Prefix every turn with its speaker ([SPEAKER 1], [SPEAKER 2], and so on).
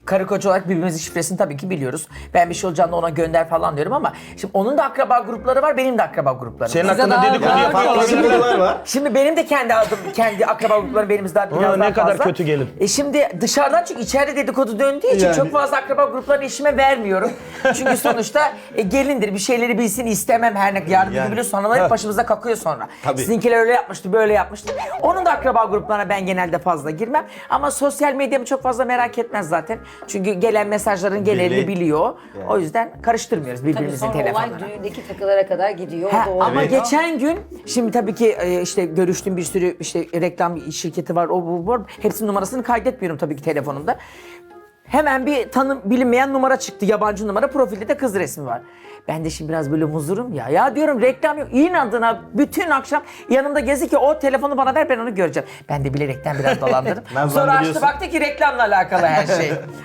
[SPEAKER 1] karı koca olarak birbirimizin şifresini tabii ki biliyoruz. Ben bir şey olacağında ona gönder falan diyorum ama şimdi onun da akraba grupları var, benim de akraba gruplarım.
[SPEAKER 2] Senin
[SPEAKER 3] Size
[SPEAKER 2] hakkında
[SPEAKER 3] daha
[SPEAKER 2] dedikodu
[SPEAKER 3] daha
[SPEAKER 2] yapan
[SPEAKER 3] çok-
[SPEAKER 2] komşular var.
[SPEAKER 1] Şimdi benim de kendi adım, kendi akraba gruplarım benimiz daha biraz
[SPEAKER 2] ne
[SPEAKER 1] daha
[SPEAKER 2] kadar
[SPEAKER 1] fazla.
[SPEAKER 2] kötü gelin.
[SPEAKER 1] Şimdi dışarıdan çünkü içeride dedikodu döndüğü için
[SPEAKER 4] Yani.
[SPEAKER 1] çok fazla akraba gruplarını eşime vermiyorum. Çünkü sonuçta gelindir, bir şeyleri bilsin istemem her ne yardım
[SPEAKER 2] Yani.
[SPEAKER 1] edebiliyor. Sonralar hep başımıza kakıyor sonra.
[SPEAKER 2] Tabii.
[SPEAKER 1] Sizinkiler öyle yapmıştı, böyle yapmıştı. Onun da akraba gruplarına ben genelde fazla girmem. Ama sosyal medyamı çok fazla merak etmez zaten. Çünkü gelen mesajların genelini biliyor. O yüzden karıştırmıyoruz
[SPEAKER 3] Tabii
[SPEAKER 1] birbirimizin
[SPEAKER 3] sonra olay
[SPEAKER 1] telefonlarını.
[SPEAKER 3] düğündeki takılara kadar gidiyor.
[SPEAKER 1] Ha,
[SPEAKER 3] Doğru.
[SPEAKER 1] ama
[SPEAKER 2] Evet.
[SPEAKER 1] geçen gün şimdi tabii ki işte görüştüğüm bir sürü işte reklam şirketi var, o bu var. Hepsinin numarasını kaydetmiyorum tabii ki telefonumda. Hemen bir bilinmeyen numara çıktı, yabancı numara, profilde de kız resmi var. Ben de şimdi biraz böyle muzurum ya. Ya diyorum reklam yok. İnadına bütün akşam yanımda gezi ki o telefonu bana ver ben onu göreceğim. Ben de bilerekten biraz dolandırdım. Sonra açtı
[SPEAKER 2] Nazlandırıyorsun.
[SPEAKER 1] baktı ki reklamla alakalı her şey.